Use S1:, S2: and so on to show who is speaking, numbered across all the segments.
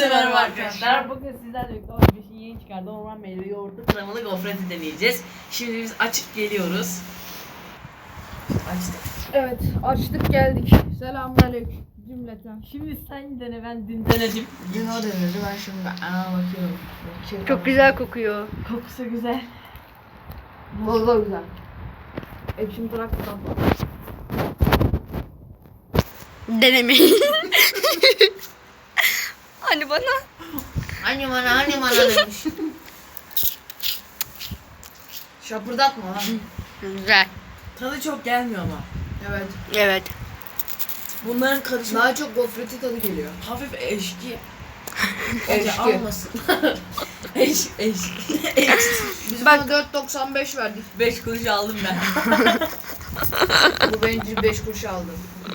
S1: Hepinize merhaba arkadaşlar. Bugün sizlerle birlikte bir şey yeni çıkardı. Orman meyve yoğurtlu kremalı gofreti deneyeceğiz. Şimdi biz açıp geliyoruz. Açtık.
S2: Evet, açtık geldik. Selamünaleyküm cümleten.
S1: Şimdi sen dene, ben dün denedim.
S2: Dün o denedi, ben şimdi bakıyorum.
S3: Çok güzel kokuyor.
S1: Kokusu güzel.
S2: Valla güzel. Ekşim bırakmadan.
S3: Denemeyin. Hani bana?
S2: Hani bana demiş. Şapırdatma lan.
S3: Güzel.
S1: Tadı çok gelmiyor ama.
S2: Evet.
S3: Evet.
S1: Bunların karışımı
S2: Daha çok gofreti tadı geliyor.
S1: hafif eşki.
S2: Eşki.
S1: Almasın. eşki.
S2: Biz
S3: Bak-
S2: buna 4.95 verdik.
S1: 5 kuruş aldım ben.
S2: Bu bencil 5 kuruş aldı.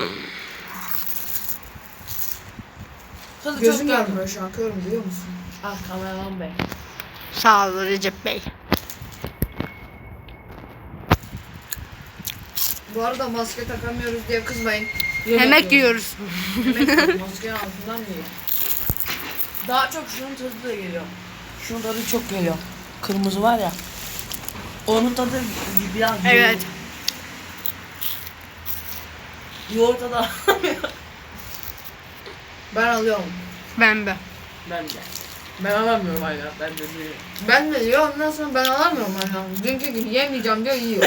S1: Tadı çok
S2: Gözüm
S1: gelmiyor.
S2: görmüyor şu an, körüm biliyor musun?
S1: Ah kameraman bey.
S3: Sağ ol Recep Bey.
S2: Bu arada maske takamıyoruz diye kızmayın.
S3: Yemek yiyoruz.
S2: Maskenin altından yiyor.
S1: Daha çok şunun tadı da geliyor. Şunun tadı çok geliyor. Kırmızı var ya. Onun tadı biraz
S3: Evet.
S1: yoğurt tadı.
S2: Ben alıyorum.
S3: Ben de.
S1: Ben de. Ben alamıyorum hala. Ben de değil.
S2: Ben de diyor, ondan sonra ben alamıyorum hala. Dünkü gibi yemeyeceğim diyor, yiyor.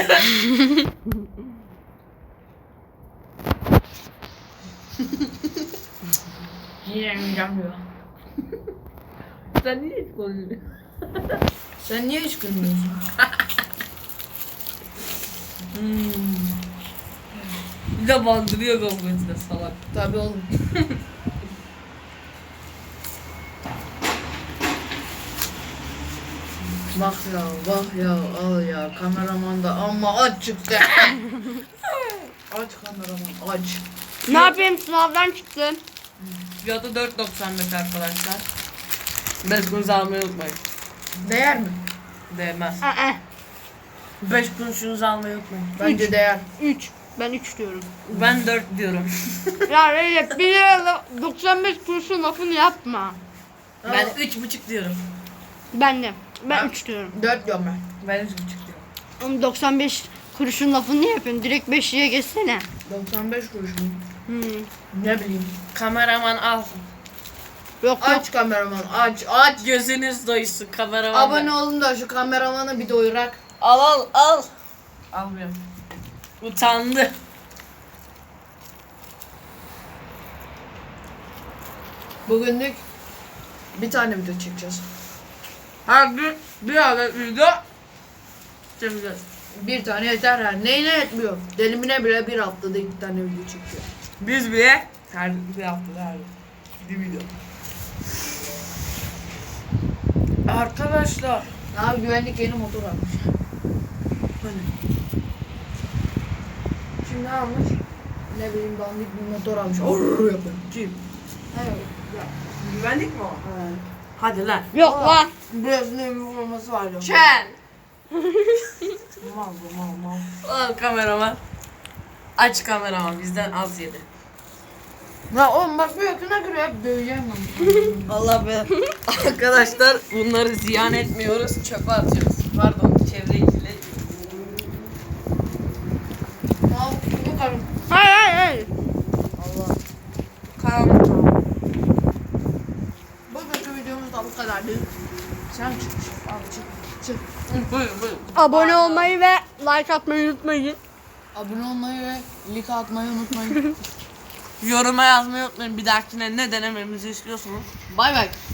S1: Yiyemeyeceğim diyor. Sen niye hiç konuşuyorsun?
S2: Sen niye hiç gülmüyorsun?
S1: Bir de bandırıyor gofreti de salak.
S2: Tabii oğlum. Bak ya, bak ya, al ya. Kameraman da amma aç çıktı. Aç kameraman, aç.
S3: Ne yapayım, sınavdan çıktım.
S1: Fiyatı 4.95 arkadaşlar. 5 kuruş almayı unutmayın.
S2: Değer mi?
S1: Değmez.
S3: Aa,
S1: 5 kuruşunuzu almayı unutmayın.
S2: Bence değer.
S3: 3. Ben 3 diyorum.
S1: Ben 4 diyorum.
S3: Ya Recep 1 lira 95 kuruşun lafını yapma.
S1: Ben 3,5 diyorum.
S3: Ben de. Ben 3 diyorum.
S2: 4 diyorum ben.
S1: Ben 3,5 diyorum.
S3: Oğlum 95 kuruşun lafını niye yapıyorsun? Direkt 5'liye geçsene.
S2: 95 kuruş mu?
S1: Ne bileyim. Kameraman al.
S3: Yok yok.
S2: Aç kameraman, aç, aç.
S1: Gözünüz doysun kameraman.
S2: Abone olun da şu kameramanı bir doyurak.
S1: Al. Almıyorum. Utandı.
S2: Bugünlük bir tane video çekeceğiz.
S1: Her gün bir adet video çekeceğiz.
S2: Bir tane yeter her. Neyine yetmiyor? Delimine bile bir haftada 2 tane video çekiyor.
S1: Biz bile her bir haftada her bir video. Arkadaşlar.
S2: Abi güvenlik yeni motor almış.
S1: Hani
S2: Şimdi ne almış? Ne bileyim dandik bir motor almış. Orrrr yapıyor.
S1: kim?
S2: Evet.
S1: Güvenlik mi o?
S2: Evet.
S1: Hadi lan.
S3: Yok lan.
S2: Biraz ne bir forması var ya.
S1: Çel.
S2: Mal.
S1: Al kameraman. Aç kameraman bizden az yedi.
S2: Ya oğlum bak bir yakına göre hep döveceğim ben.
S1: Allah be. Arkadaşlar bunları ziyan etmiyoruz. Çöpe atıyoruz. Pardon çevreyi kirletiyoruz.
S2: Al bunu karım.
S3: Hayır.
S2: Allah.
S1: Karanlık.
S2: Bugünkü videomuz da bu kadardı. Sen çık. Al çık.
S1: Buyurun.
S3: Abone olmayı ve like atmayı unutmayın.
S2: Abone olmayı ve like atmayı unutmayın.
S1: Yoruma yazmayı unutmayın. Bir dahakine ne denememizi istiyorsunuz.
S2: Bay bay.